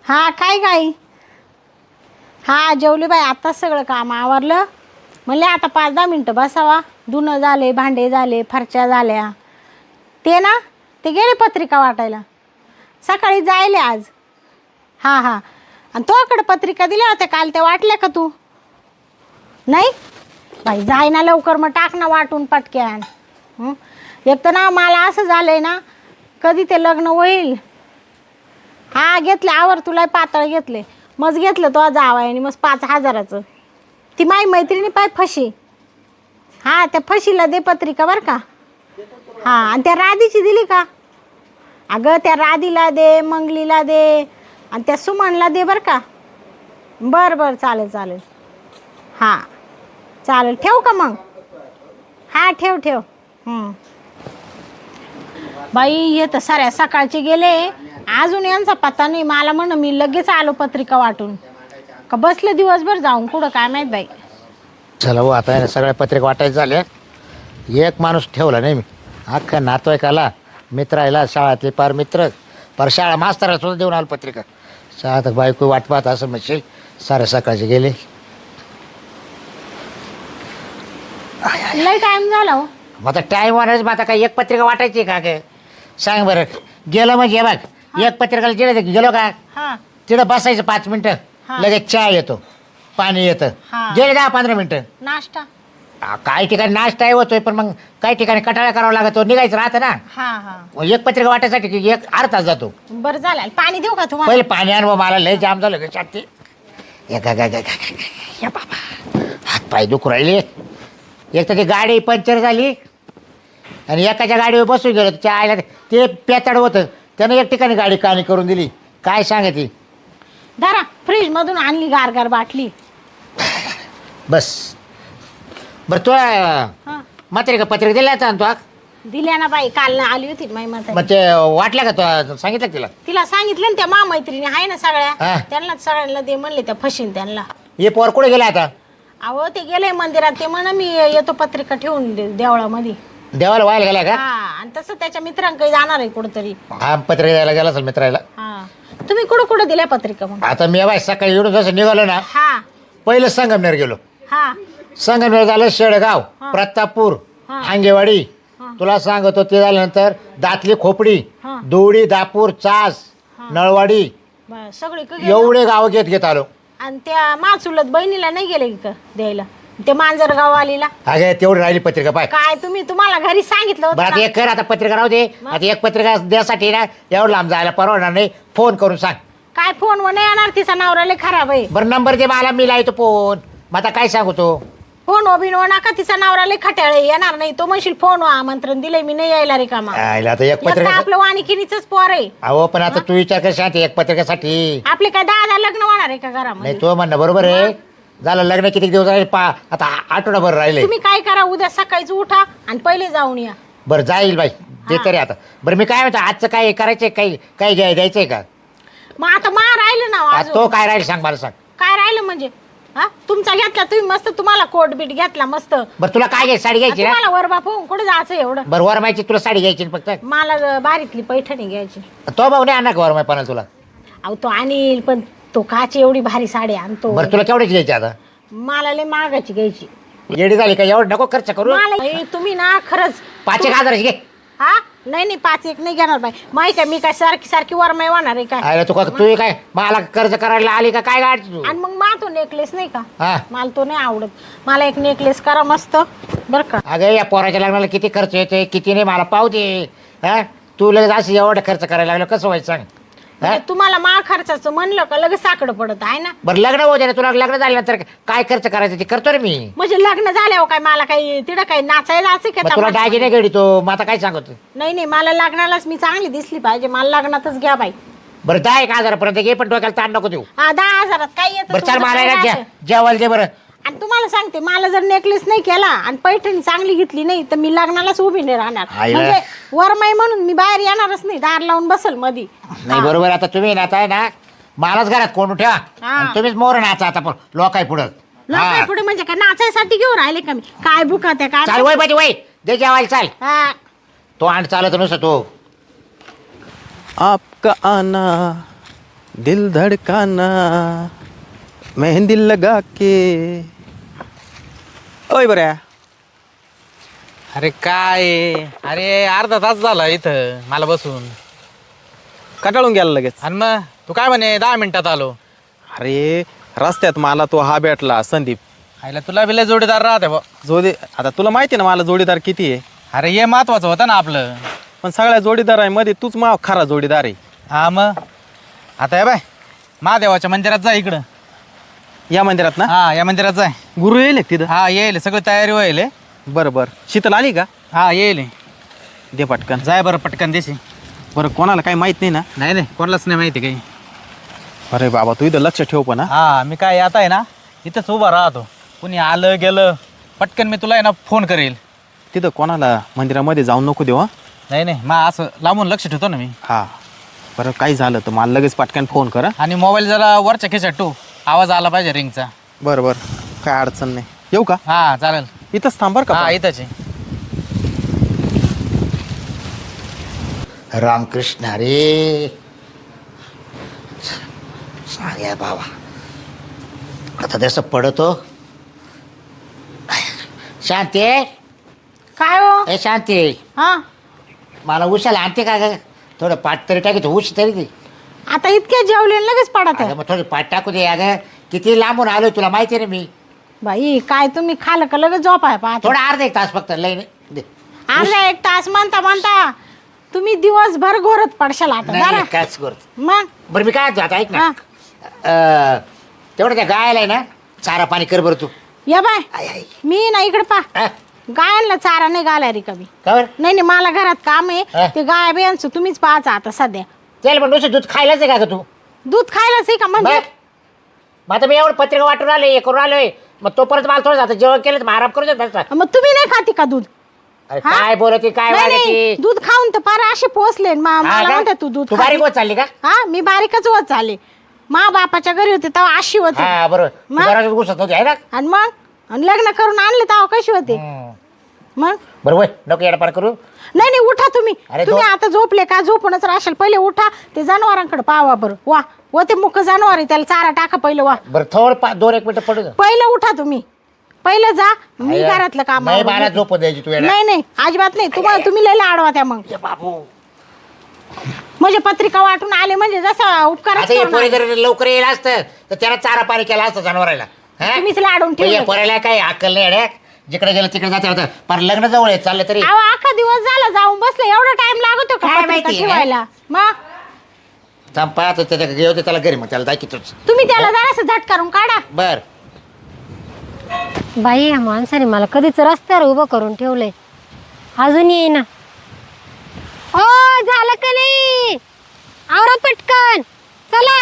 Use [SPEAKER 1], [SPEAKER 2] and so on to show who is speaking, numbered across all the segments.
[SPEAKER 1] हा काय हा जेवली बाई. आत्ताच सगळं काम आवरलं. म्हणले आता 5-10 मिनटं बसावा. धुणं झाले, भांडे झाले, फरच्या झाल्या. ते ना ते गेले पत्रिका वाटायला. सकाळी जायले आज. हां हां. आणि तोकडे पत्रिका दिल्या होत्या काल, त्या वाटल्या का तू? नाही बाई, जाय ना लवकर, मग टाक ना वाटून पटक्यान. एक तर ना मला असं झालंय ना, कधी ते लग्न होईल. हा घेतले आवर, तुला पातळ घेतले. मग घेतलं तो जावाय आणि मग 5,000चं. ती माई मैत्रिणी पाय फशी. हां त्या फशीला दे पत्रिका बरं का. हां आणि त्या राधीची दिली का? अगं त्या राधीला दे, मंगलीला दे आणि त्या सुमनला दे बरं का. बरं चालेल. हां चालेल, ठेवू का मग? हां ठेव. बाई हे तर साऱ्या सकाळचे गेले, अजून यांचा पत्ता नाही. मला म्हण मी लगेच आलो पत्रिका वाटून. का बसले दिवसभर जाऊन कुठं काय माहीत बाई.
[SPEAKER 2] चला हो, आता सगळ्या पत्रिका वाटायचं झाल्या. एक माणूस ठेवला नाही मी. अख्खा नातवाईकाला, मित्रायला, शाळातले पार मित्र, पार शाळा मास्तराला सुद्धा देऊन आलो पत्रिका. शाळात बायको वाट पाहत असं म्हणशील. सारे सकाळचे गेले.
[SPEAKER 1] लय टाइम झाला हो.
[SPEAKER 2] मग आता टाईम होणारच. मग आता काय एक पत्रिका वाटायची का ग? सांग बरं. गेलो म्हणजे बघ, एक पत्रिकाला गेलो का
[SPEAKER 1] हां
[SPEAKER 2] तिथं बसायचं 5 मिनटं,
[SPEAKER 1] हा.
[SPEAKER 2] लगेच चहा येतो, पाणी येतं.
[SPEAKER 1] हा.
[SPEAKER 2] गेले 10-15 मिनटं.
[SPEAKER 1] नाश्ता.
[SPEAKER 2] काही ठिकाणी नाश्ताही होतोय, पण मग काही ठिकाणी कटाळा करावा लागतो, निघायचं राहतं ना.
[SPEAKER 1] हां
[SPEAKER 2] एक पत्रिका वाटायसाठी की एक अर्धा तास जातो.
[SPEAKER 1] बरं झालं. पाणी देऊ का तुम्हाला?
[SPEAKER 2] पहिले पाणी आण, मला लय जाम झालं ग छाती. या बाबा, हात पाय दुखू राहिले. एक तर ती गाडी पंक्चर झाली आणि एकाच्या गाडीवर बसून गेलो. त्या आईला ते पेताड होतं, त्यानं एक ठिकाणी गाडी काणी करून दिली. काय सांगायची.
[SPEAKER 1] धरा, फ्रीज मधून आणली गार बाटली.
[SPEAKER 2] बस बरं. तू
[SPEAKER 1] हां
[SPEAKER 2] मात्र का पत्रिका दिल्या आता तू?
[SPEAKER 1] दिल्या ना बाई, काल ना आली होती माई म्हातारी.
[SPEAKER 2] मग ते वाटलं का तू? सांगितलं का तिला?
[SPEAKER 1] तिला सांगितलं ना, त्या मैत्रिणी आहे ना सगळ्या,
[SPEAKER 2] हा.
[SPEAKER 1] त्यांना सगळ्यांना दे म्हणले. त्या फशीन त्यांना.
[SPEAKER 2] हे पोर कुठे गेला आता?
[SPEAKER 1] अहो ते गेले मंदिरात. ते म्हण मी येतो पत्रिका ठेवून देवळामध्ये.
[SPEAKER 2] देवाला व्हायला गेला का?
[SPEAKER 1] हा आणि तसं त्याच्या मित्रांकडे जाणार आहे कुठंतरी.
[SPEAKER 2] हा पत्रिका द्यायला गेला असेल मित्राला.
[SPEAKER 1] हा तुम्ही कुठं दिल्या पत्रिका मग?
[SPEAKER 2] आता मी बाय सकाळी येऊन जसं निघालो ना,
[SPEAKER 1] हा
[SPEAKER 2] पहिलं संगमनेर गेलो.
[SPEAKER 1] हा
[SPEAKER 2] संगमनेर झालं, शेळगाव, प्रतापपूर,
[SPEAKER 1] हा.
[SPEAKER 2] हांगेवाडी.
[SPEAKER 1] हा.
[SPEAKER 2] तुला सांगतो ते झाल्यानंतर दातली खोपडी,
[SPEAKER 1] हा.
[SPEAKER 2] दोडी, दापूर, चास,
[SPEAKER 1] हा.
[SPEAKER 2] नळवाडी,
[SPEAKER 1] सगळी
[SPEAKER 2] एवढे गाव घेत आलो.
[SPEAKER 1] आणि त्या माचुलत बहिणीला नाही गेले का द्यायला? ते मांजरगाव आलीला
[SPEAKER 2] अगे तेवढी राहिली पत्रिका पाय.
[SPEAKER 1] काय तुम्हाला घरी सांगितलं
[SPEAKER 2] बरं
[SPEAKER 1] होतं
[SPEAKER 2] आता
[SPEAKER 1] ना?
[SPEAKER 2] एक कर, आता पत्रिका राहू दे. आता एक पत्रिका द्यासाठी ना एवढं लांब जायला परवडणार नाही. फोन करून सांग.
[SPEAKER 1] काय फोनवर नाही येणार, तिचा नवरा लय खराब आहे.
[SPEAKER 2] बरं नंबर दे मला, मी लावतो फोन. मग आता काय सांगू तो?
[SPEAKER 1] फोन बिनो नका, तिचा नवरा लय खट्याळ आहे, येणार नाही तो. म्हणशील फोन आमंत्रण दिलंय मी, नाही यायला रे कामा.
[SPEAKER 2] आयला आता एक पत्रिका.
[SPEAKER 1] आपलं वाणिकिनीच पोर आहे.
[SPEAKER 2] अहो पण आता तू विचार कर शांती, एक पत्रिकेसाठी.
[SPEAKER 1] आपले काय 10 लग्न होणार आहे का घरामध्ये?
[SPEAKER 2] नाही तो म्हणणं बरोबर आहे. झालं लग्न किती दिवस राहिले? आता आठवडाभर राहिले.
[SPEAKER 1] तुम्ही काय करा, उद्या सकाळीच उठा आणि पहिले जाऊन या.
[SPEAKER 2] बरं जाईल बाई, ते तरी आता. बरं मी काय म्हणतो, आजचं काय करायचंय? काही द्यायचंय का?
[SPEAKER 1] मग आता राहिलं ना
[SPEAKER 2] आता
[SPEAKER 1] अजून.
[SPEAKER 2] तो काय राहील सांग मला, सांग.
[SPEAKER 1] काय राहिलं म्हणजे? हा तुमचा घेतला तुम्ही मस्त, तुम्हाला कोट बीट घेतला मस्त.
[SPEAKER 2] बरं तुला काय घ्यायची? साडी घ्यायची ना?
[SPEAKER 1] तुम्हाला वर बापू कुठे जायचं एवढं?
[SPEAKER 2] बरं वरमायची तुला साडी घ्यायची ना फक्त?
[SPEAKER 1] मला बारीतली पैठणी घ्यायची.
[SPEAKER 2] तो भाऊ नाही आणणार का वरमायपणाला तुला?
[SPEAKER 1] अहो तो आणील, पण तो काची एवढी भारी साडी आणतो.
[SPEAKER 2] बरं तुला केवढ्याची घ्यायची आता?
[SPEAKER 1] मला लय महागाची घ्यायची.
[SPEAKER 2] येडी झाली का? एवढं नको खर्च करू.
[SPEAKER 1] मला तुम्ही ना खरंच
[SPEAKER 2] 5,000 घे.
[SPEAKER 1] हा नाही 5-1 नाही घेणार बाई. माहिती आहे मी काय सारखी वरमाई होणार आहे काय?
[SPEAKER 2] अरे तू काय मला कर्ज करायला आली का काय गाडी तू?
[SPEAKER 1] आणि मग तो नेकलेस नाही का?
[SPEAKER 2] हा
[SPEAKER 1] मला तो नाही आवडत. मला एक नेकलेस करा मस्त बर का.
[SPEAKER 2] अगं या पोराच्या लग्नाला किती खर्च येते किती नाही मला पाहू दे. हा तू लगेच असं एवढं खर्च करायला लागलं कसं व्हायचं सांग?
[SPEAKER 1] म्हणजे तुम्हाला मा खर्चाचं म्हणलं का लगेच साकडं पडत आहे ना.
[SPEAKER 2] बरं लग्न होऊ दे ना, तुला लग्न झाल्यानंतर काय खर्च करायचं ते करतो रे मी.
[SPEAKER 1] म्हणजे लग्न झाल्यावर काय मला काही तिथं काही नाचायला जायचं
[SPEAKER 2] मग
[SPEAKER 1] का?
[SPEAKER 2] तुला दागिने घडी तो मग आता काय सांगतो?
[SPEAKER 1] नाही मला लग्नालाच मी चांगली दिसली पाहिजे. मला लग्नातच घ्या बाई.
[SPEAKER 2] बरं 10,000 पर्यंत घे, पण डोक्याला ताण नको देऊ.
[SPEAKER 1] हा 10,000 काय येतं?
[SPEAKER 2] बरं चल
[SPEAKER 1] तुमचं
[SPEAKER 2] मला
[SPEAKER 1] काय
[SPEAKER 2] ना
[SPEAKER 1] राहतं?
[SPEAKER 2] जेवायला दे बरं.
[SPEAKER 1] आणि तुम्हाला सांगते, मला जर नेकलेस नाही केला आणि पैठणी चांगली घेतली नाही तर मी लग्नालाच उभी नाही राहणार.
[SPEAKER 2] आईला.
[SPEAKER 1] म्हणजे वरमाई म्हणून मी बाहेर येणारच नाही, दार लावून बसल मधी.
[SPEAKER 2] नाही बरोबर. आता तुम्ही नाता आहे ना, मलाच घरात कोण ठेवा
[SPEAKER 1] हा.
[SPEAKER 2] आणि तुम्हीच मोर नाचा आता लोकाय पुढं.
[SPEAKER 1] लोकांना पुढे म्हणजे काय नाचायसाठी घेऊन राहिले का मी? काय बुका त्या
[SPEAKER 2] चाल
[SPEAKER 1] काय?
[SPEAKER 2] वय पाहिजे वय दे जेवायला चाल.
[SPEAKER 1] हा.
[SPEAKER 2] तो आणि चालत नुसतं तो.
[SPEAKER 3] आपका आना दिल धड़काना मेहंदी लगा के. ओय बऱ्या.
[SPEAKER 4] अरे काय अरे अर्धा तास झाला इथं मला बसून.
[SPEAKER 3] कटाळून गेला लगेच.
[SPEAKER 4] आणि मग तू काय म्हणे 10 मिनिटात आलो.
[SPEAKER 3] अरे रस्त्यात मला तो हा भेटला संदीप.
[SPEAKER 4] आईला तुला बिला जोडीदार राहते बा.
[SPEAKER 3] आता तुला माहिती ना मला जोडीदार किती आहे.
[SPEAKER 4] अरे हे महत्वाचं होतं ना आपलं.
[SPEAKER 3] पण सगळ्या जोडीदारांमध्ये तूच मा खरा जोडीदार आहे.
[SPEAKER 4] हा मग आता हे बाय महादेवाच्या मंदिरात जा इकडं.
[SPEAKER 3] या मंदिरात ना.
[SPEAKER 4] हा या मंदिरात जाय.
[SPEAKER 3] गुरु येईल का तिथं.
[SPEAKER 4] हा येईल सगळी तयारी होईल.
[SPEAKER 3] बरं बरं शीतल आली का.
[SPEAKER 4] हा येईल.
[SPEAKER 3] दे पटकन.
[SPEAKER 4] जाय बरं पटकन देशी.
[SPEAKER 3] बरं कोणाला काही माहित नाही ना.
[SPEAKER 4] नाही कोणालाच नाही माहिती काही.
[SPEAKER 3] अरे बाबा तू इथं लक्ष ठेव पण.
[SPEAKER 4] हा मी काय आता आहे ना इथंच उभा राहतो. कुणी आलं गेलं पटकन मी तुला आहे ना फोन करेल.
[SPEAKER 3] तिथं कोणाला मंदिरामध्ये जाऊन नको देऊ.
[SPEAKER 4] नाही मग असं लांबून लक्ष ठेवतो ना मी.
[SPEAKER 3] हा बरं काही झालं तर मला लगेच पटकन फोन कर.
[SPEAKER 4] आणि मोबाईल जरा वरच्या खिशात ठेव. आवाज आला पाहिजे रिंगचा.
[SPEAKER 3] बरं बरं काय अडचण नाही. येऊ का.
[SPEAKER 4] हा चालेल.
[SPEAKER 3] इथंच थांब बरं का.
[SPEAKER 4] हा इथंच आहे.
[SPEAKER 2] रामकृष्ण हरे. सांगा बाबा आता तसं पडतो. शांती
[SPEAKER 1] काय हो.
[SPEAKER 2] ए शांती
[SPEAKER 1] हा
[SPEAKER 2] मला उशाला आणते का ग. थोडं पाठ तरी टाकी उश तरी दे.
[SPEAKER 1] आता इतक्या जेवले आणि लगेच पडत आहे.
[SPEAKER 2] अगं मग थोडी पाठ टाकू दे. अगं किती लांबून आलोय तुला माहिती आहे ना मी.
[SPEAKER 1] बाई काय तुम्ही खाल का लगेच झोप आहे पाहत.
[SPEAKER 2] थोडा अर्धा 1 तास फक्त लय नाही. दे.
[SPEAKER 1] अर्धा 1 तास म्हणता तुम्ही दिवसभर घोरत पडशाल आता
[SPEAKER 2] नाही
[SPEAKER 1] जरा.
[SPEAKER 2] काच करत.
[SPEAKER 1] मग
[SPEAKER 2] बरं मी काय म्हणतो आता ऐक ना.
[SPEAKER 1] हा.
[SPEAKER 2] तेवढं त्या गायला आहे ना चारा पाणी कर बरं तू.
[SPEAKER 1] या बाय
[SPEAKER 2] आय आय
[SPEAKER 1] मी ना इकडे पा
[SPEAKER 2] हा?
[SPEAKER 1] गायांना चारा नाही घालाय रे कमी.
[SPEAKER 2] का बरं?
[SPEAKER 1] नाही मला घरात काम
[SPEAKER 2] हा.
[SPEAKER 1] आहे. ते गाय बियांचं तुम्हीच पाहायचं आता सध्या.
[SPEAKER 2] त्याला पण नुसतं दूध खायलाच आहे का ग तू.
[SPEAKER 1] दूध खायलाच आहे का म्हणजे.
[SPEAKER 2] बरं. मग आता मी एवढं पत्रिका वाटून आलोय हे करून आलोय. मग तोपर्यंत मला थोडं जातं जेवण केलं तर मग आराम करू देत.
[SPEAKER 1] मग तुम्ही नाही खाती का दूध.
[SPEAKER 2] अरे
[SPEAKER 1] हा?
[SPEAKER 2] काय बोलते काय
[SPEAKER 1] नाही, नाही,
[SPEAKER 2] वागते.
[SPEAKER 1] दूध खाऊन तर फार असे पोचले
[SPEAKER 2] हा
[SPEAKER 1] मला
[SPEAKER 2] का?
[SPEAKER 1] म्हणते तू दूध
[SPEAKER 2] तू बारीक
[SPEAKER 1] खाती.
[SPEAKER 2] होत चालली का.
[SPEAKER 1] हा मी बारीकच होत चालले. मा बापाच्या घरी होते तेव्हा अशी होते.
[SPEAKER 2] हा बरोबर तू
[SPEAKER 1] मग?
[SPEAKER 2] घरातच घुसत होती आहे ना.
[SPEAKER 1] आणि मग आणि लग्न करून आणले तेव्हा कशी होते. मग
[SPEAKER 2] बरोबर नको येडपाड करू.
[SPEAKER 1] नाही उठा तुम्ही.
[SPEAKER 2] अरे
[SPEAKER 1] तुम्ही
[SPEAKER 2] दोन-
[SPEAKER 1] आता झोपले का झोपूनच राहशाल. पहिले उठा ते जनावरांकडे पावा बरं. वा ते मुख जनावर आहे त्याला चारा टाका पहिलं. वा
[SPEAKER 2] बरं थोडं 2-1 मिनिटं पडू दे.
[SPEAKER 1] पहिलं उठा तुम्ही. पहिलं जा मी
[SPEAKER 2] अय्या,
[SPEAKER 1] घरातलं काम
[SPEAKER 2] नाही
[SPEAKER 1] आवरून
[SPEAKER 2] मला
[SPEAKER 1] घेते.
[SPEAKER 2] झोप द्यायची तू येडा.
[SPEAKER 1] नाही अजिबात नाही. तुम्ही लय लाडवा त्या मग.
[SPEAKER 2] ए बाबू
[SPEAKER 1] म्हणजे पत्रिका वाटून आले म्हणजे जसा उपकार
[SPEAKER 2] आता हे पोरे जर लवकर येईल असतं तर त्याला चारा पाणी केला असतं जनावराला. हा?
[SPEAKER 1] तुम्हीच लाडून
[SPEAKER 2] पण या
[SPEAKER 1] ठेवलं.
[SPEAKER 2] पोराला काय अक्कल नाही अडे. जिकडे गेलं तिकडे जाते होतं पण लग्न जवळ आहे चाललं तरी.
[SPEAKER 1] अहो अख्खा दिवस झाला जाऊन बसले. एवढा टाइम लागतो का
[SPEAKER 2] काय
[SPEAKER 1] पत्रिका
[SPEAKER 2] माहिती,
[SPEAKER 1] ठेवायला. मग
[SPEAKER 2] संपा त्याच्या घेऊ त्याला घरी मग त्याला दाखवतोच.
[SPEAKER 1] तुम्ही त्याला जरासं झट करून काढा.
[SPEAKER 2] बर
[SPEAKER 5] बाई या माणसाने मला कधीच रस्त्यावर उभं करून ठेवलंय. अजून येईना. ओ झालं का नाही. आवरा पटकन चला.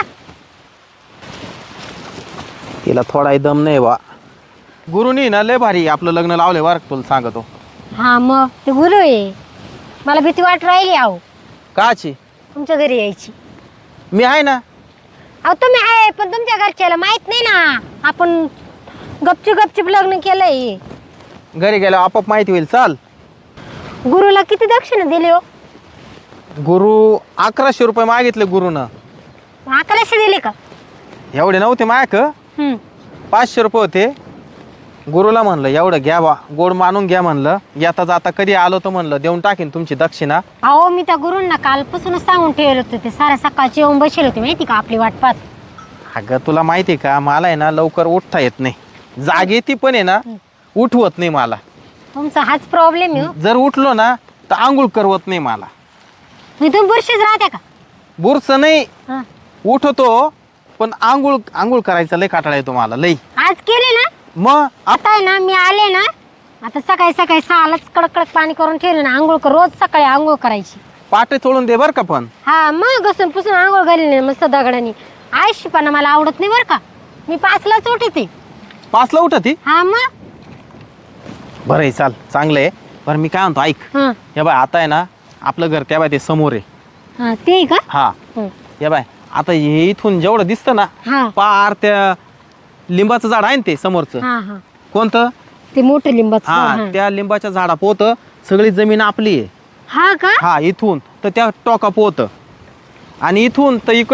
[SPEAKER 3] तिला थोडा दम नाही बा. गुरुनी ना लय भारी आपलं लग्न लावले बरं का तुला सांगतो.
[SPEAKER 5] हा मग ते गुरु आहे. मला भीती वाट राहिली आहो
[SPEAKER 3] काची.
[SPEAKER 5] तुमच्या घरी यायची.
[SPEAKER 3] मी आहे ना.
[SPEAKER 5] अहो तुम्ही आहे पण तुमच्या घरच्याला माहित नाही ना. आपण गपचूप लग्न केलंय.
[SPEAKER 3] घरी गेल्यावर आपोआप माहिती होईल. चाल.
[SPEAKER 5] गुरुला किती दक्षिणा दिली हो.
[SPEAKER 3] गुरु 1100 रुपये मागितले गुरुनं.
[SPEAKER 5] अकराशे दिले का.
[SPEAKER 3] एवढे नव्हते मायक. 500 रुपये होते. गुरुला म्हणलं एवढं घ्या बा गोड मानून घ्या म्हणलं. येता जाता कधी आलो तर म्हणलं देऊन टाकीन तुमची दक्षिणा.
[SPEAKER 5] अहो मी त्या गुरूंना कालपासूनच सांगून ठेवलं होतं. ते साऱ्या सकाळची येऊन बसेल होते माहिती का आपली वाट पाहत.
[SPEAKER 3] अगं तुला माहिती का मला आहे ना लवकर उठता येत नाही. जागे ती पण आहे ना उठवत नाही मला.
[SPEAKER 5] तुमचा हाच प्रॉब्लेम आहे.
[SPEAKER 3] जर उठलो ना तर आंघोळ करवत नाही मला.
[SPEAKER 5] मी तुम्ही बुरशीच राहते का.
[SPEAKER 3] बुरस नाही.
[SPEAKER 5] हा.
[SPEAKER 3] उठतो पण आंघोळ करायचं लय काटाळा येतो मला लई.
[SPEAKER 5] आज केले ना.
[SPEAKER 3] मग
[SPEAKER 5] आता आहे ना मी आले ना आता सकाळी 6लाच कडक पाणी करून ठेवलं ना. आंघोळ रोज सकाळी आंघोळ करायची.
[SPEAKER 3] पाटे चोळून दे बरं का पण.
[SPEAKER 5] हा मग घसून पुसून आंघोळ घाली नाही मस्त दगडानी. आळशीपणा मला आवडत नाही बरं का. मी 5लाच उठते.
[SPEAKER 3] 5ला उठती.
[SPEAKER 5] हा मग.
[SPEAKER 3] बरं आहे चाल चांगलं आहे. बरं मी काय म्हणतो ऐक.
[SPEAKER 5] हा
[SPEAKER 3] या बाय आता आहे ना आपलं घर त्या बाय ते समोर आहे.
[SPEAKER 5] हा ते का.
[SPEAKER 3] हा
[SPEAKER 5] हं.
[SPEAKER 3] या बाय आता हे इथून जेवढं दिसतं ना
[SPEAKER 5] हा
[SPEAKER 3] पार त्या लिंबाचं झाड आहे ना ते समोरचं.
[SPEAKER 5] हा हा
[SPEAKER 3] कोणतं.
[SPEAKER 5] ते मोठं लिंबाचं झाड,
[SPEAKER 3] हा
[SPEAKER 5] हा.
[SPEAKER 3] त्या लिंबाच्या झाडा पोत सगळी जमीन आपली आहे.
[SPEAKER 5] हा का.
[SPEAKER 3] हा इथून तर त्या टोका पोत आणि इथून तर इकडं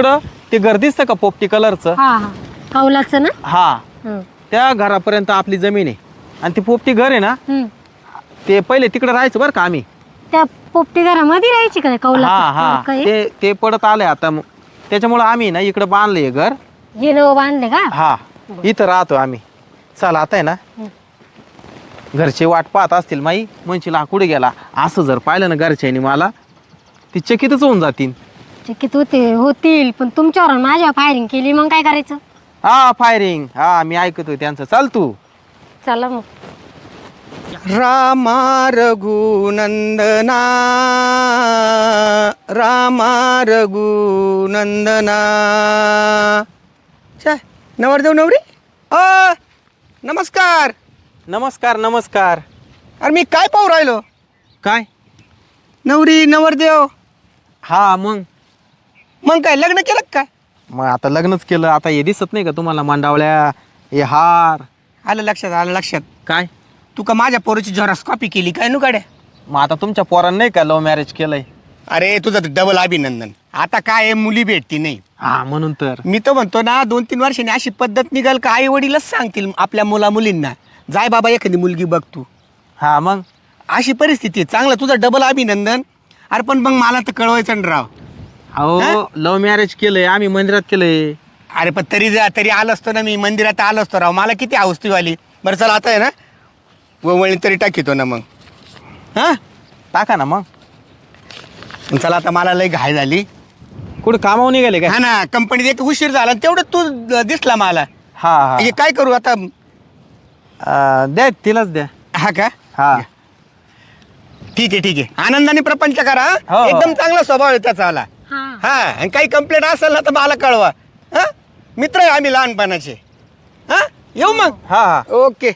[SPEAKER 3] ते घर दिसतं का पोपटी कलरचं?
[SPEAKER 5] हा हा कौलाचं ना.
[SPEAKER 3] हा,
[SPEAKER 5] हं.
[SPEAKER 3] त्या घरापर्यंत आपली जमीन आहे. आणि ती पोपटी घर आहे ना,
[SPEAKER 5] हं.
[SPEAKER 3] ते पहिले तिकडे राहायचं बरं का आम्ही.
[SPEAKER 5] त्या पोपटी घरामध्ये राहायची का
[SPEAKER 3] हा
[SPEAKER 5] कौलाचं
[SPEAKER 3] हा,
[SPEAKER 5] काय
[SPEAKER 3] ते पडत आलंय आता. त्याच्यामुळे आम्ही ना इकडे बांधलंय घर.
[SPEAKER 5] हे नवं बांधले का?
[SPEAKER 3] हा, इथं राहतो आम्ही. चला आता आहे ना, घरचे वाट पाहत असतील माई, म्हणशील हा कुठे गेला. असं जर पाहिलं ना घरच्यानी मला, ती चकितच होऊन जातील.
[SPEAKER 5] चकित होतील पण तुमच्यावर आणि माझ्यावर फायरिंग केली मग काय करायचं?
[SPEAKER 3] हा फायरिंग, हा मी ऐकतोय त्यांचं. चाल तू.
[SPEAKER 5] चला मग.
[SPEAKER 6] रामा रघुनंदना रामा रघुनंदना. छे नवरदेव नवरी नमस्कार.
[SPEAKER 3] नमस्कार नमस्कार.
[SPEAKER 6] अरे मी काय पाहू राहिलो?
[SPEAKER 3] काय?
[SPEAKER 6] नवरी नवरदेव.
[SPEAKER 3] हा मग
[SPEAKER 6] काय लग्न केलं का काय?
[SPEAKER 3] मग आता लग्नच केलं. आता हे दिसत नाही का तुम्हाला मांडावळ्या, हे हार?
[SPEAKER 6] आलं लक्षात, आलं लक्षात.
[SPEAKER 3] काय?
[SPEAKER 6] तू का माझ्या पोरीची झेरॉक्स कॉपी केली काय नु गाड्या?
[SPEAKER 3] मग आता तुमच्या पोरांनी नाही का लव्ह मॅरेज केलंय?
[SPEAKER 6] अरे तुझं डबल अभिनंदन. आता काय आहे, मुली भेटती नाही.
[SPEAKER 3] हा म्हणून तर
[SPEAKER 6] मी तर म्हणतो ना 2-3 वर्षांनी अशी पद्धत निघाल का आई वडीलच सांगतील आपल्या मुलींना, जाय बाबा एखादी मुलगी बघ तू.
[SPEAKER 3] हा मग
[SPEAKER 6] अशी परिस्थिती आहे. चांगलं, तुझं डबल अभिनंदन. अरे पण मग मला तर कळवायचं ना राव.
[SPEAKER 3] अहो लव्ह मॅरेज केलंय आम्ही, मंदिरात केलंय.
[SPEAKER 6] अरे पण तरी आलो असतो ना, मी मंदिरात आलो असतो राव. मला किती हौसती वाली. बरं चला आता आहे ना वळी तरी टाकीतो ना मग. हां
[SPEAKER 3] टाका ना मग.
[SPEAKER 6] चला आता मला लई घाय झाली.
[SPEAKER 3] कुठं कामावर निघाले काय?
[SPEAKER 6] हा ना, कंपनीत एक उशीर झाला आणि तेवढं तू दिसला मला.
[SPEAKER 3] हा हा.
[SPEAKER 6] हे काय करू आता?
[SPEAKER 3] द्या तिलाच द्या.
[SPEAKER 6] हा का?
[SPEAKER 3] हा
[SPEAKER 6] ठीक आहे. आनंदाने प्रपंच करा.
[SPEAKER 3] हो.
[SPEAKER 6] एकदम चांगला स्वभाव आहे त्याचा आला.
[SPEAKER 5] हा
[SPEAKER 6] हा, आणि काही कंप्लेंट असेल ना तर मला कळवा. हा, मित्र आहे आम्ही लहानपणाचे. हा, येऊ मग.
[SPEAKER 3] हा हा.
[SPEAKER 6] ओके.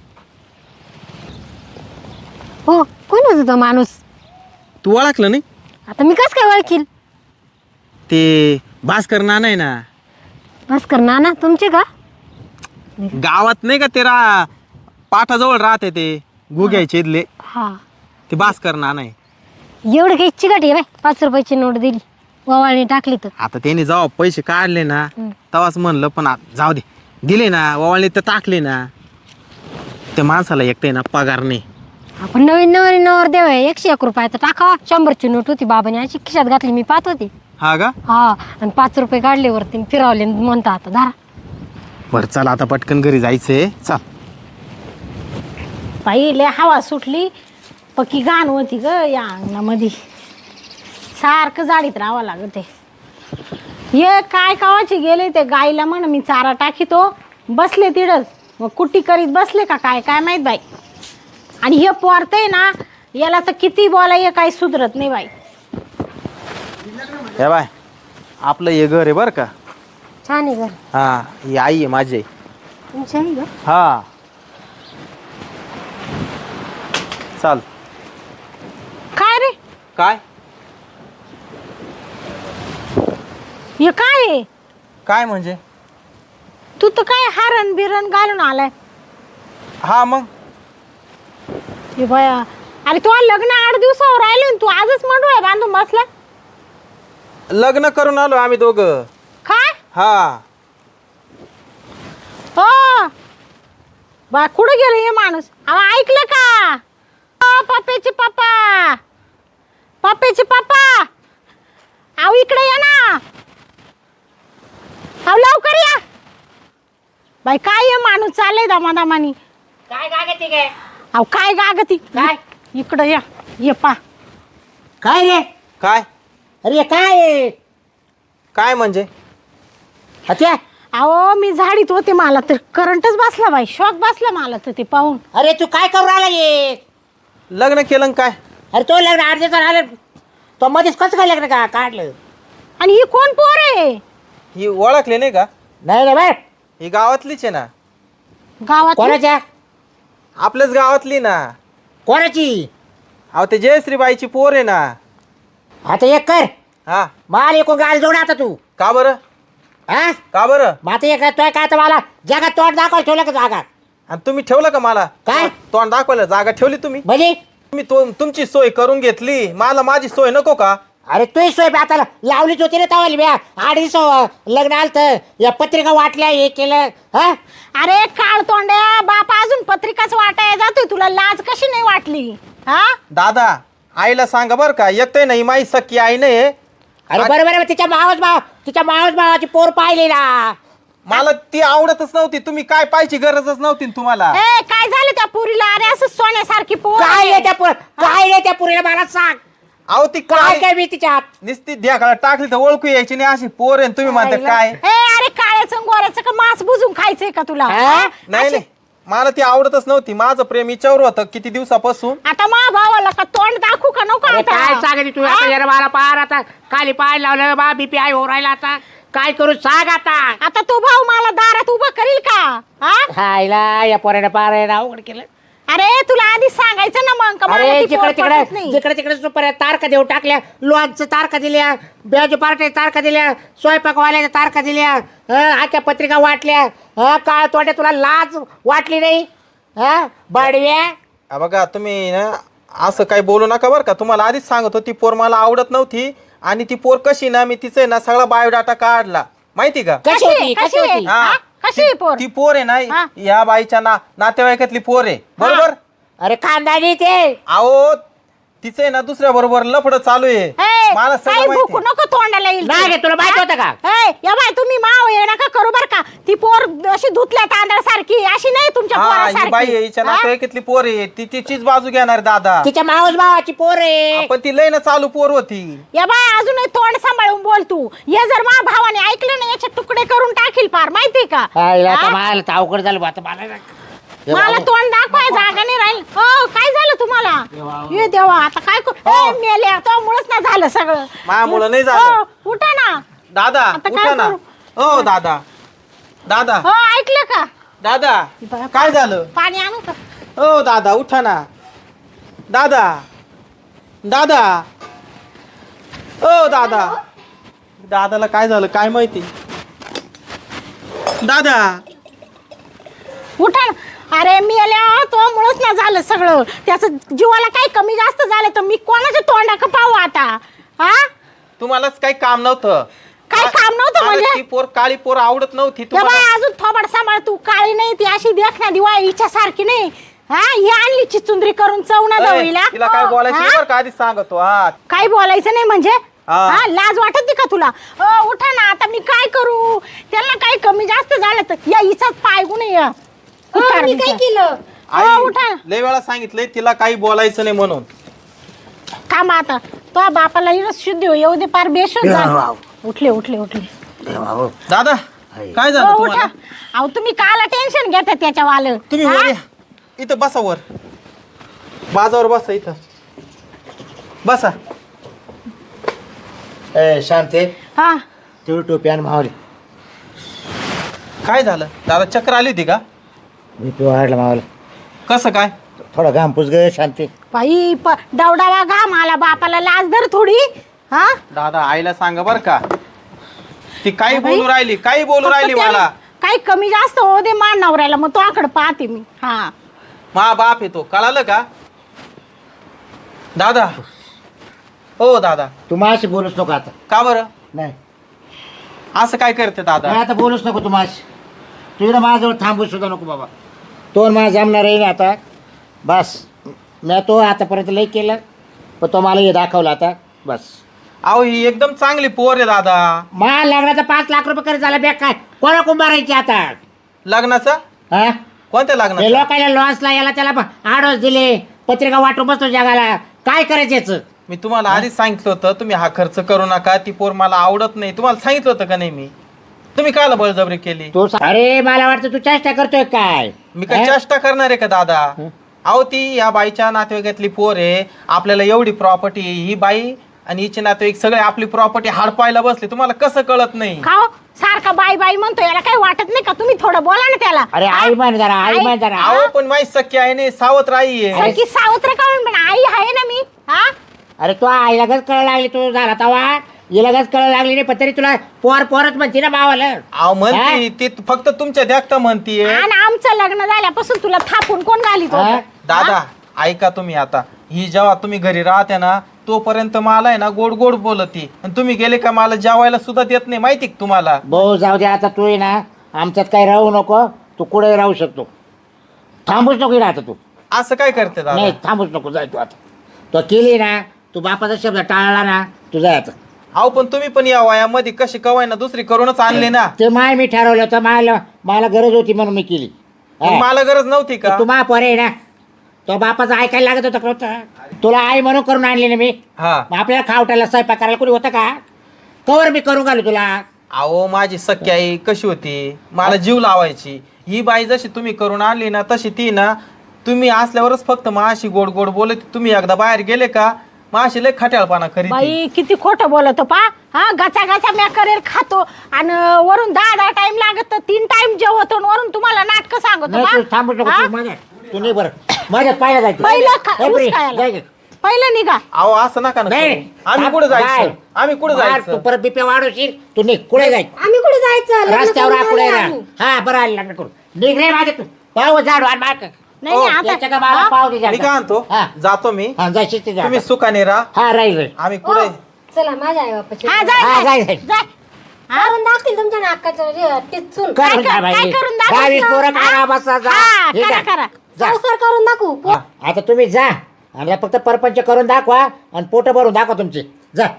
[SPEAKER 5] हो कोण होता तो माणूस?
[SPEAKER 3] तू ओळखलं नाही?
[SPEAKER 5] आता मी कस काय ओळखील?
[SPEAKER 3] ते भास्कर नाना आहे ना,
[SPEAKER 5] भास्कर नाना तुमचे का?
[SPEAKER 3] गावात नाही का ते पाठाजवळ राहते ते घुग्याचे इथले,
[SPEAKER 5] हा
[SPEAKER 3] ते भास्कर नाना आहे.
[SPEAKER 5] एवढं काही चिकट आहे बाय. 5 रुपयाची नोट दिली, ववाळणी टाकली तर.
[SPEAKER 3] आता त्याने जेव्हा पैसे काढले ना
[SPEAKER 5] हं.
[SPEAKER 3] तेव्हाच म्हणलं, पण जाऊ दे, दिले ना ववाळणी तर टाकले ना. त्या माणसाला एकटे ना पगार नाही.
[SPEAKER 5] आपण नवीन नवर देव आहे. 101 रुपये तर टाकावा. 100ची नोट होती बाबाने अशी खिशात घातली, मी पाहत होती.
[SPEAKER 3] हा का?
[SPEAKER 5] हा, आणि 5 रुपये काढले वरती फिरवले म्हणता आता धारा.
[SPEAKER 3] बरं चला आता पटकन घरी जायचंय. चल.
[SPEAKER 1] बाई लय हवा सुटली, पक्की घाण होती ग या अंगणामध्ये. सारखं जाडीत राहावं लागत आहे. हे काय कावाचे गेले ते गाईला म्हण मी चारा टाकीतो, बसले तिडच. मग कुट्टी करीत बसले का काय माहीत बाई. आणि हे पोरतंय ना, याला तर किती बोलाय काही सुधरत नाही बाई.
[SPEAKER 3] हे बाय, आपलं हे घर आहे बरं का.
[SPEAKER 5] छान आहे घर.
[SPEAKER 3] हा, ही आई आहे माझी.
[SPEAKER 5] तुमचं आहे घर?
[SPEAKER 3] हा चाल.
[SPEAKER 1] काय रे
[SPEAKER 3] काय?
[SPEAKER 1] हे काय आहे?
[SPEAKER 3] काय म्हणजे?
[SPEAKER 1] तू तर काय हारण बिरण घालून आलाय.
[SPEAKER 3] हा मग
[SPEAKER 1] हे बया, अरे तू लग्न 8 दिवसावर राहिले तू आजच मंडोळ्या बांधून बसला.
[SPEAKER 3] लग्न करून आलो आम्ही दोघं.
[SPEAKER 1] काय
[SPEAKER 3] हा.
[SPEAKER 1] हो बा, कुठं गेलं हे माणूस? अहो ऐकलं का? पप्प्याचे पप्पा, अहो इकडे या ना. अहो लवकर या बाई. काय हे माणूस चाललंय दमादमानी?
[SPEAKER 7] काय गागती काय?
[SPEAKER 1] अहो काय गागती?
[SPEAKER 7] काय?
[SPEAKER 1] इकडं या. ये पा.
[SPEAKER 7] काय रे?
[SPEAKER 3] काय?
[SPEAKER 7] अरे काय?
[SPEAKER 3] काय म्हणजे?
[SPEAKER 7] हत्या?
[SPEAKER 1] अहो मी झाडीत होते, मला तर करंटच बसला बाई. शॉक बसला मला तर ते पाहून.
[SPEAKER 7] अरे तू काय करू राहिला ये?
[SPEAKER 3] लग्न केलं काय?
[SPEAKER 7] अरे तो लग्न 8 दिवसावर आलं, तो मध्येच कसं काय लग्न काढलं?
[SPEAKER 1] आणि ही कोण पोर आहे?
[SPEAKER 3] ही ओळखले नाही का?
[SPEAKER 7] नाही रे बाय.
[SPEAKER 3] ही गावातलीच आहे ना.
[SPEAKER 1] गावात
[SPEAKER 7] कोणाच्या?
[SPEAKER 3] आपल्याच गावातली ना.
[SPEAKER 7] कोणाची?
[SPEAKER 3] अहो ते जयश्रीबाईची पोर आहे ना.
[SPEAKER 7] आता एक कर,
[SPEAKER 3] हा.
[SPEAKER 7] माल एकूण गाल जोड आता तू.
[SPEAKER 3] का बरं?
[SPEAKER 7] हा,
[SPEAKER 3] का बरं?
[SPEAKER 7] मग आता एक तो काय तर मला जगात तोंड दाखवायला ठेवलं का जागा?
[SPEAKER 3] आणि तुम्ही ठेवलं का मला?
[SPEAKER 7] काय?
[SPEAKER 3] तोंड दाखवायला जागा ठेवली तुम्ही?
[SPEAKER 7] म्हणजे
[SPEAKER 3] तुम्ही तुमची सोय करून घेतली, मला माझी सोय नको का?
[SPEAKER 7] अरे तू सोय बे आता लावलीच होती रे तवाली ब्या 8 दिवस लग्न आलतं या पत्रिका वाटल्या हे केलं हा
[SPEAKER 1] अरे काळ तोंड्या बाप अजून पत्रिकाच वाटाय जातोय तुला लाज कशी नाही वाटली हा
[SPEAKER 3] दादा आईला सांगा बरं का येतोय नाही माई सख्खी आई नाही
[SPEAKER 7] अरे बरोबर आहे तिच्या मावस भावाची पोर पाहिली ना
[SPEAKER 3] मला ती आवडतच नव्हती तुम्ही काय पाहायची गरजच नव्हती ना तुम्हाला
[SPEAKER 1] ए काय झालं त्या पुरीला अरे असं सोन्यासारखी पोर
[SPEAKER 7] काय
[SPEAKER 1] आहे.
[SPEAKER 7] आहे त्या पुरीला मला सांग
[SPEAKER 3] अहो ती
[SPEAKER 7] काय काय मी तिच्या
[SPEAKER 3] निस्ती ढ्याकाला टाकली तर ओळखू यायची नाही अशी पोर आहे तुम्ही म्हणता काय
[SPEAKER 1] ए अरे काळ्याचं गोऱ्याचं का मांस बुजून खायचंय का तुला
[SPEAKER 7] हा?
[SPEAKER 1] हा?
[SPEAKER 3] नाही नाही मला ती आवडतच नव्हती माझं प्रेम हिच्यावर होतं किती दिवसापासून
[SPEAKER 1] आता मा भावाला का तोंड दाखवू का नको
[SPEAKER 7] अरे
[SPEAKER 1] आता?
[SPEAKER 7] काय सांगायची तू आता जरा मला पार आता खाली पाय लावलं बा बीपी आय हो राहिला आता काय करू सांग आता
[SPEAKER 1] आता तो भाऊ मला दारात उभा करील का हा
[SPEAKER 7] खायला या पोराने पार आहे ना अवघड केलं
[SPEAKER 1] अरे तुला आधी सांगायचं ना मग का मला
[SPEAKER 7] अरे
[SPEAKER 1] ती पोर पटत नाही.
[SPEAKER 7] जिकडे तिकडे सुपर तारखा देऊ टाकल्या लोणचं तारखा दिल्या ब्याजू पार्टी तारखा दिल्या स्वयंपाकवाल्याच्या तारखा दिल्या आख्या पत्रिका वाटल्या काय तोट्या तुला लाज वाटली नाही बडव्या
[SPEAKER 3] हा बघा तुम्ही ना असं काही बोलू नका बरं का तुम्हाला आधीच सांगत होती ती पोर मला आवडत नव्हती आणि ती पोर कशी ना मी तिचे ना सगळा बायोडाटा काढला माहिती का
[SPEAKER 7] कशी होती कशी होती
[SPEAKER 3] हा.
[SPEAKER 1] हा? कशी आहे पोर
[SPEAKER 3] ती पोर आहे ना
[SPEAKER 1] हा.
[SPEAKER 3] या बाईच्या नातेवाईकातली पोर आहे बरोबर
[SPEAKER 7] अरे खानदानी ते
[SPEAKER 3] अहो तिचं आहे ना दुसऱ्या बरोबर लफडं चालू आहे
[SPEAKER 1] ए,
[SPEAKER 3] मला
[SPEAKER 1] काही
[SPEAKER 3] सगळं माहिती
[SPEAKER 1] भुकू नको तोंडाला येईल
[SPEAKER 7] नाही रे, तुला माहिती होतं का?
[SPEAKER 1] या बाय तुम्ही माव ये नका करू बर का ती पोर अशी धुतल्या तांदळासारखी अशी नाही तुमच्या
[SPEAKER 3] हा ही बाई आहे,
[SPEAKER 1] पोरासारखी
[SPEAKER 3] हिच्या
[SPEAKER 1] हा?
[SPEAKER 3] नातेवाईकातली पोर आहे ती तिचीच बाजू घेणार दादा
[SPEAKER 7] तिच्या मावस भावाची पोर आहे
[SPEAKER 3] पण ती लय ना चालू पोर होती
[SPEAKER 1] या बाय अजून तोंड सांभाळून बोल तू हे जर मा भावाने ऐकलं ना याचे तुकडे करून टाकील पार माहिती का हा?
[SPEAKER 7] मला तर अवघड झालं बा, आता मला
[SPEAKER 1] मला तोंड दाखवाय जागा नाही राहील हो काय झालं तुम्हाला ये देवा आता काय मेले तो मुळेच ना झालं सगळं
[SPEAKER 3] मायामुळं नाही झालं.
[SPEAKER 1] हो, उठा ना
[SPEAKER 3] दादा
[SPEAKER 1] आता काय
[SPEAKER 3] उठा ना
[SPEAKER 1] करू?
[SPEAKER 3] हो दादा दादा
[SPEAKER 1] हो ऐकलं का
[SPEAKER 3] दादा काय झालं
[SPEAKER 1] पाणी आणू का
[SPEAKER 3] हो दादा उठा ना दादा दादा ओ दादा दादाला काय झालं काय माहिती दादा
[SPEAKER 1] उठा ना. अरे मी आल्या तो मुळेच ना झालं सगळं त्याचं जीवाला काही कमी जास्त झालं तर मी कोणाच्या तोंडाक पाहू आता हा
[SPEAKER 3] तुम्हालाच काही काम नव्हतं
[SPEAKER 1] काय काम नव्हतं
[SPEAKER 3] मला
[SPEAKER 1] म्हणजे
[SPEAKER 3] ती पोर काळी पोर आवडत नव्हती
[SPEAKER 1] या बाई
[SPEAKER 3] तुम्हाला
[SPEAKER 1] अजून थोबड सांभाळ तू काळी नाही ती अशी देखना दिवा हिच्या सारखी नाही हा ही आणली चिचुंद्री करून चवना
[SPEAKER 3] अय,
[SPEAKER 1] दवळीला
[SPEAKER 3] तिला काय बोलायचं नाही
[SPEAKER 1] हा?
[SPEAKER 3] बरं का आधीच सांगतो हा
[SPEAKER 1] काही बोलायचं नाही म्हणजे
[SPEAKER 3] हा.
[SPEAKER 1] हा लाज वाटत का तुला उठा ना आता मी काय करू त्यांना काही कमी जास्त झालं तर या हिचाच पाय गुण या
[SPEAKER 5] मी काय केलं
[SPEAKER 3] आई
[SPEAKER 1] उठा
[SPEAKER 3] लय वेळा सांगितलंय तिला काही बोलायचं नाही म्हणून
[SPEAKER 1] थांबा आता तो बापाला शुद्ध येऊ दे पार बेशुद्ध झाला. उठले उठले उठले
[SPEAKER 3] दादा काय झालं
[SPEAKER 1] हो,
[SPEAKER 3] तुम्हाला
[SPEAKER 1] उठा अहो तुम्ही काला टेन्शन घेता त्याच्यावालं
[SPEAKER 3] तुम्ही
[SPEAKER 1] हा?
[SPEAKER 3] वर या. इथं बसा वर बाजावर बसा इथं बसा
[SPEAKER 2] ए शांते
[SPEAKER 1] हा
[SPEAKER 2] तेवढी टोपी आणि मावली
[SPEAKER 3] काय झालं दादा चक्कर आली होती का
[SPEAKER 2] मी पी वाढला मावला
[SPEAKER 3] कसं काय
[SPEAKER 2] थोडा घाम पुस गे शांती
[SPEAKER 1] बाई दवडावा घाम आला बापाला लाज धर थोडी हा
[SPEAKER 3] दादा आईला सांगा बर का ती काही
[SPEAKER 1] बाई,
[SPEAKER 3] बोलू राहिली काही बोलू
[SPEAKER 1] फक्त
[SPEAKER 3] राहिली
[SPEAKER 1] त्या-
[SPEAKER 3] मला
[SPEAKER 1] काही कमी जास्त हो दे मान नवऱ्याला मग तो आकडे पाहते मी हा
[SPEAKER 3] मा बाप येतो कळालं का दादा हो दादा
[SPEAKER 2] तू माझ्याशी बोलूच नको आता
[SPEAKER 3] का बरं
[SPEAKER 2] नाही
[SPEAKER 3] असं काय करते दादा
[SPEAKER 2] नाही, आता बोलूच नको तू माझ्याशी तू इकडं माझ्याजवळ थांबू सुद्धा नको बाबा तो मला जमणार आहे ना आता बस मी तो आतापर्यंत लई केलं पण तो मला हे दाखवलं आता बस
[SPEAKER 3] अहो ही एकदम चांगली पोर आहे दादा
[SPEAKER 7] मा लग्नाचा 5 लाख रुपये खर्च झाला बॅग काय कोणा कुंभारायची आता
[SPEAKER 3] लग्नाचं
[SPEAKER 7] हा
[SPEAKER 3] कोणत्या
[SPEAKER 7] हे
[SPEAKER 3] लग्नाचं
[SPEAKER 7] लोकांना लॉन्सला याला त्याला आडोस दिले पत्रिका वाटून बसतो जगाला काय करायचं याचं
[SPEAKER 3] मी तुम्हाला आधीच सांगितलं होतं तुम्ही हा खर्च करू नका ती पोर मला आवडत नाही तुम्हाला सांगितलं होतं का नाही मी तुम्ही कायला बळजबरी केली
[SPEAKER 2] तू
[SPEAKER 7] अरे मला वाटतं तू चेष्टा करतोय काय
[SPEAKER 3] मी काय चेष्टा करणार आहे का दादा अहो ती या बाईच्या नातेवाईकातली पोर आहे आपल्याला एवढी प्रॉपर्टी ही बाई आणि हिचे नातेवाईक सगळे आपली प्रॉपर्टी हडपायला बसले तुम्हाला कसं कळत नाही
[SPEAKER 1] का हो? सारखा बाई बाई म्हणतो याला काही वाटत नाही का तुम्ही थोडं बोला ना त्याला
[SPEAKER 7] अरे आई म्हण जरा आई म्हण जरा
[SPEAKER 3] अहो पण माझी सख्खी आहे नाही सावत्र आई आहे
[SPEAKER 1] सखी सावत्र काढून पण आई आहे ना मी हा
[SPEAKER 7] अरे तो आई लगच कळ लागली तू झाला तवा ही लगच कळ लागली नाही पण तरी तुला पोरच म्हणते ना भावाला
[SPEAKER 3] अहो म्हणती ती फक्त तुमच्या देखता म्हणतीये
[SPEAKER 1] आणि आमचं लग्न झाल्यापासून तुला थापून कोण घालीत
[SPEAKER 7] हा?
[SPEAKER 1] होतं?
[SPEAKER 3] दादा ऐका तुम्ही आता ही जेव्हा तुम्ही घरी राहते ना तोपर्यंत मला आहे ना गोड गोड बोलती आणि तुम्ही गेले का मला जेवायला सुद्धा देत नाही, माहिती का तुम्हाला?
[SPEAKER 7] भाऊ जाऊ दे आता, तू आहे ना आमच्यात काही राहू नको, तू कुठे राहू शकतो, थांबूच नको इकडे आता तू.
[SPEAKER 3] असं काय करते दादा?
[SPEAKER 7] नाही थांबूच नको, जाय तू आता. तो केली ना, तू बापाचा शब्द टाळला ना, तू जाय आता.
[SPEAKER 3] अहो पण तुम्ही पण या वयामध्ये कशी कवाय ना दुसरी करूनच आणले ना.
[SPEAKER 7] ते मी ठरवलं होतं, मला गरज होती म्हणून मी केली.
[SPEAKER 3] मग मला गरज नव्हती का?
[SPEAKER 7] तू पोर आहे ना, तो बापाचं ऐकायला लागत होतं का? तुला आई म्हणून करून आणली ना मी.
[SPEAKER 3] हा.
[SPEAKER 7] मग आपल्याला खावटायला स्वयंपाक करायला कोणी होतं का? कवर मी करून घालू तुला.
[SPEAKER 3] अहो माझी सख्खी आई कशी होती, मला जीव लावायची. ही बाई जशी तुम्ही करून आणली ना तशी ती ना, तुम्ही असल्यावरच फक्त माशी गोड गोड बोलत. तुम्ही एकदा बाहेर गेले का माशी लय खट्याळपणा करीत.
[SPEAKER 1] बाई किती खोटं बोलतो पा. हा गचा गचा म्या करेल खातो आणि वरून 10 टाइम लागत, 3 टाइम जेवतो आणि वरून तुम्हाला नाटक सांगतो
[SPEAKER 7] नाही तू थांबू नको,
[SPEAKER 1] हा?
[SPEAKER 7] तू माझ्यात तू नाही बरं माझ्यात पाहिलं जायचं.
[SPEAKER 1] पहिलं
[SPEAKER 7] ए, प्रिय,
[SPEAKER 1] खायला
[SPEAKER 7] जाय गं.
[SPEAKER 1] पहिलं निघा.
[SPEAKER 3] अहो असं नका ना
[SPEAKER 7] नाही,
[SPEAKER 3] करू. आम्ही
[SPEAKER 7] थांब,
[SPEAKER 3] कुठे
[SPEAKER 7] बाय.
[SPEAKER 3] जायचं? आम्ही कुठे
[SPEAKER 7] बाहेर
[SPEAKER 3] जायचं?
[SPEAKER 7] तू परत बिप्या वाढवशील, तू निघ कुठे जायचं?
[SPEAKER 5] आम्ही कुठे जायचं? लग्न
[SPEAKER 7] रस्त्यावर
[SPEAKER 5] करून
[SPEAKER 7] कुठे
[SPEAKER 5] आलोय
[SPEAKER 7] राहा.
[SPEAKER 5] आम्ही.
[SPEAKER 7] हा बरं आलं लग्न करून निघ रे माझ्या तू. पाहू झाड वाढ मार.
[SPEAKER 1] नाही
[SPEAKER 3] हो,
[SPEAKER 1] नाही,
[SPEAKER 7] याच्या का
[SPEAKER 1] आता
[SPEAKER 7] मला
[SPEAKER 1] हा?
[SPEAKER 7] पाव दे
[SPEAKER 3] मी काय आणतो,
[SPEAKER 7] हा.
[SPEAKER 3] जातो मी.
[SPEAKER 7] हा जायची ते
[SPEAKER 3] तुम्ही सुखाने राहा.
[SPEAKER 7] हा राहील राहील.
[SPEAKER 3] आम्ही
[SPEAKER 5] हो,
[SPEAKER 3] कुठे
[SPEAKER 5] चला माझ्या आई बापाची.
[SPEAKER 1] हा, जाय,
[SPEAKER 7] हा,
[SPEAKER 1] जाय,
[SPEAKER 7] जाय.
[SPEAKER 1] जाय.
[SPEAKER 5] करून दाखतील तुमच्या नाकाचं टिचून.
[SPEAKER 7] करून
[SPEAKER 1] काय-
[SPEAKER 7] जा बाई.
[SPEAKER 1] काय करून दाखवतो?
[SPEAKER 7] 22 पोरं करा,
[SPEAKER 1] हा?
[SPEAKER 7] बसा, जा.
[SPEAKER 1] हा,
[SPEAKER 7] हे
[SPEAKER 1] करा
[SPEAKER 7] जा.
[SPEAKER 1] करा.
[SPEAKER 7] जा.
[SPEAKER 5] संसार करून दाखवू.
[SPEAKER 7] आता तुम्ही जा आणि फक्त परपंच करून दाखवा आणि पोट भरून दाखवा तुमचे. जा.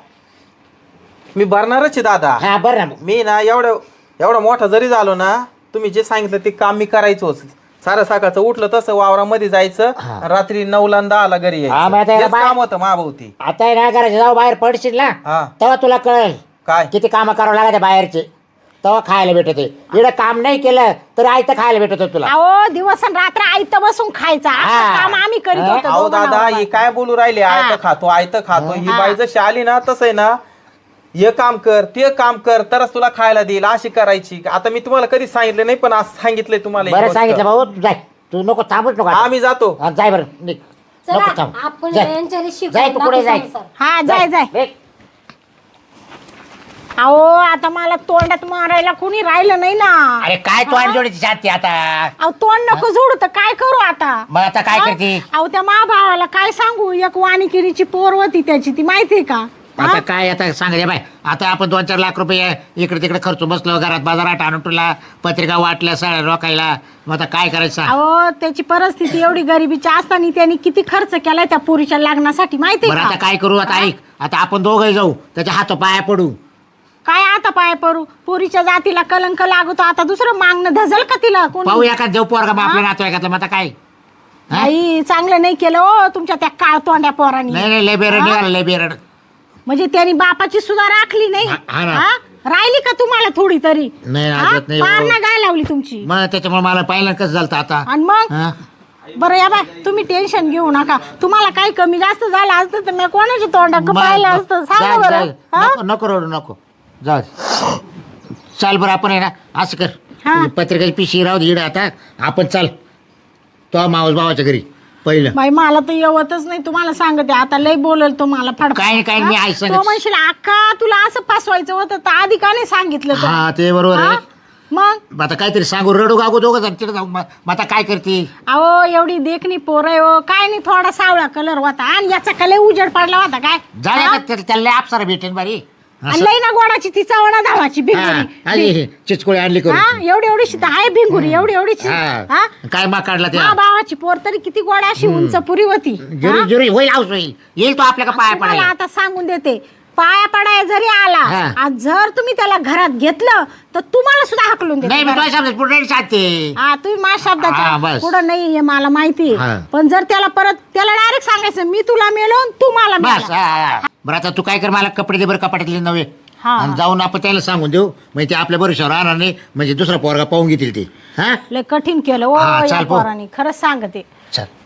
[SPEAKER 3] मी भरणारच आहे दादा.
[SPEAKER 7] हा बरं ना.
[SPEAKER 3] मी ना एवढा मोठा जरी झालो ना, तुम्ही जे सांगितलं ते काम मी करायचोच. सारं सकाळचं उठलं तसं वावरामध्ये जायचं,
[SPEAKER 7] हा.
[SPEAKER 3] रात्री 9 आणि 10 घरी
[SPEAKER 7] हा, मग आता
[SPEAKER 3] यायचं.
[SPEAKER 7] याला
[SPEAKER 3] हेच
[SPEAKER 7] बाय-
[SPEAKER 3] काम होतं महाभोवती.
[SPEAKER 7] आता आहे ना घराच्या जाऊ बाहेर पडशील ना,
[SPEAKER 3] हा.
[SPEAKER 7] तेव्हा तुला कळेल
[SPEAKER 3] काय?
[SPEAKER 7] किती कामं करावं लागते बाहेरचे, तेव्हा खायला भेटते. इकडे काम नाही केलं तर आयतं खायला भेटत तुला.
[SPEAKER 1] अहो दिवस आणि रात्र आयतं बसून खायचा असं
[SPEAKER 7] हा.
[SPEAKER 1] काम आम्ही करीत
[SPEAKER 7] हा.
[SPEAKER 1] होतो
[SPEAKER 3] अहो
[SPEAKER 1] दोघं
[SPEAKER 3] दादा
[SPEAKER 1] नवरा
[SPEAKER 3] ही काय बोलू राहिले,
[SPEAKER 1] हा.
[SPEAKER 3] आयतं खातो आयतं खातो. ही
[SPEAKER 1] हा.
[SPEAKER 3] बाई जशी आली ना तसं आहे ना, हे काम कर ते काम कर तरच तुला खायला देईल अशी करायची. आता मी तुम्हाला कधी सांगितलं नाही, पण आज सांगितलंय तुम्हाला ही
[SPEAKER 7] बरं
[SPEAKER 3] गोष्ट.
[SPEAKER 7] सांगितलं भाऊ, जाय तू, नको थांबूच नको आता.
[SPEAKER 3] आम्ही जातो.
[SPEAKER 7] हा, जाय बरं निघ. नको
[SPEAKER 5] चला
[SPEAKER 7] थांब.
[SPEAKER 5] आपण
[SPEAKER 7] जाय.
[SPEAKER 5] यांच्याकडे
[SPEAKER 7] जाय तू पुढे जाय.
[SPEAKER 5] संसार.
[SPEAKER 1] हा जाय जाय.
[SPEAKER 7] निघ.
[SPEAKER 1] अहो आता मला तोंडात मारायला कोणी राहिलं नाही ना.
[SPEAKER 7] अरे काय तू आणि जोडीची शांती आता.
[SPEAKER 1] अहो तोंड नको जोडू तर काय करू आता.
[SPEAKER 7] मग आता काय
[SPEAKER 1] हा?
[SPEAKER 7] करते?
[SPEAKER 1] अहो त्या भावाला काय सांगू, एक वाणिकिरीची पोर होती त्याची, ती माहितीये का?
[SPEAKER 7] आता
[SPEAKER 1] हा?
[SPEAKER 7] काय आता सांगा बाय. आता आपण 2-4 लाख रुपये इकडे तिकडे खर्च बसलो, घरात बाजारात आणून तुला पत्रिका वाटल्या सगळ्या लोकायला. मग आता काय करायचं?
[SPEAKER 1] अहो त्याची परिस्थिती एवढी गरिबीची असताना त्यांनी किती खर्च केलाय त्या पोरीच्या लग्नासाठी माहितीये
[SPEAKER 7] बरं
[SPEAKER 1] का?
[SPEAKER 7] आता काय करू? आता ऐक, आता आपण दोघं जाऊ त्याच्या हातो पाया पडू.
[SPEAKER 1] काय आता पाय पडू, पोरीच्या जातीला कलंक लागतो. आता दुसरं मागणं धजल का तिला कोणी?
[SPEAKER 7] पाहू एका देऊ पोरगा मग आपल्या नातवाईकातलं. मग आता काय? हा?
[SPEAKER 1] आई चांगलं नाही केलं हो तुमच्या त्या काळ तोंड्या पोरांनी.
[SPEAKER 7] नाही लय बेरड निघाला, लय बेरड.
[SPEAKER 1] म्हणजे त्यांनी बापाची सुद्धा राखली नाही.
[SPEAKER 7] हा ना.
[SPEAKER 1] हा? राहिली का तुम्हाला थोडी तरी?
[SPEAKER 7] नाही,
[SPEAKER 1] हा?
[SPEAKER 7] अजिबात नाही.
[SPEAKER 1] पार ना गाय लावली तुमची.
[SPEAKER 7] मग त्याच्यामुळे मला पाहिलं कसं झालं आता.
[SPEAKER 1] आणि मग
[SPEAKER 7] हा?
[SPEAKER 1] बरं या बाय, तुम्ही टेन्शन घेऊ नका. तुम्हाला काही कमी जास्त झालं असतं तर मी कोणाची तोंडाक
[SPEAKER 7] मग-
[SPEAKER 1] पाहिलं असतं सांगा
[SPEAKER 7] जा-
[SPEAKER 1] बरं.
[SPEAKER 7] जा-
[SPEAKER 1] हा?
[SPEAKER 7] नको नको रडू नको. जाऊ दे. चाल बरं आपण आहे ना असं कर,
[SPEAKER 1] हा.
[SPEAKER 7] पत्रिकाची पिशी राहू दे इकडं. आता आपण चाल तो मावस भावाच्या घरी पहिलं.
[SPEAKER 1] बाई मला तर येवतच नाही, तुम्हाला सांगते. आता लय बोलल तुम्हाला फड.
[SPEAKER 7] काय काय मी आहे सांगत.
[SPEAKER 1] तो म्हणशील अक्का तुला असं फसवायचं होतं तर आधी का नाही सांगितलं तर?
[SPEAKER 7] हा ते बरोबर
[SPEAKER 1] हा?
[SPEAKER 7] आहे.
[SPEAKER 1] मग
[SPEAKER 7] आता काहीतरी सांगू, रडू गागू दोघं जण तिकडे जाऊ. मग आता काय करते?
[SPEAKER 1] अहो एवढी देखणी पोर आहे हो, काय नाही थोडा सावळा कलर होता आणि याचा कलर उजेड पडला होता काय?
[SPEAKER 7] जाण्या
[SPEAKER 1] हा?
[SPEAKER 7] का त्याला अप्सरा भेटेन बारी.
[SPEAKER 1] आणि लई ना गोडाची ती चवणा धावाची भिंगुरी.
[SPEAKER 7] चिचकोळी आणली करू.
[SPEAKER 1] हा एवढी एवढीशी तर आहे भिंगुरी, एवढी एवढीशी. हा?
[SPEAKER 7] काय मा काढला त्या
[SPEAKER 1] मा भावाची पोर तरी किती गोड अशी उंच पुरी होती.
[SPEAKER 7] जुरी जुरी होईल हाऊस होईल. येईल तो आपल्या का पाया
[SPEAKER 1] तुम्हाला
[SPEAKER 7] पडायला.
[SPEAKER 1] आता सांगून देते, पाया पडाय जरी आला
[SPEAKER 7] हा.
[SPEAKER 1] आज जर तुम्ही त्याला घरात घेतलं तर तुम्हाला सुद्धा हाकलून
[SPEAKER 7] नाही मी
[SPEAKER 1] देते.
[SPEAKER 7] तुझ्या शब्दात पुढे सांगते.
[SPEAKER 1] हा तुम्ही माझ्या
[SPEAKER 7] हा,
[SPEAKER 1] शब्दाच्या
[SPEAKER 7] बस.
[SPEAKER 1] पुढं नाही हे मला माहिती
[SPEAKER 7] हा.
[SPEAKER 1] पण जर त्याला परत त्याला डायरेक्ट सांगायचं मी तुला मेलो आणि तू मला
[SPEAKER 7] बस
[SPEAKER 1] मेला.
[SPEAKER 7] हा. बरं आता तू काय कर, मला कपडे दे बरं कपाटातले नवे.
[SPEAKER 1] हा.
[SPEAKER 7] आणि जाऊन आपण त्याला सांगून देऊ, म्हणजे ते आपल्या बरोबर राहणार नाही, म्हणजे दुसरा पोरगा पाहून घेतील ते. हा
[SPEAKER 1] लय कठीण केलं ओ
[SPEAKER 7] हा,
[SPEAKER 1] या
[SPEAKER 7] चाल, पो.
[SPEAKER 1] पोरांनी, खरंच सांगते.
[SPEAKER 7] चल.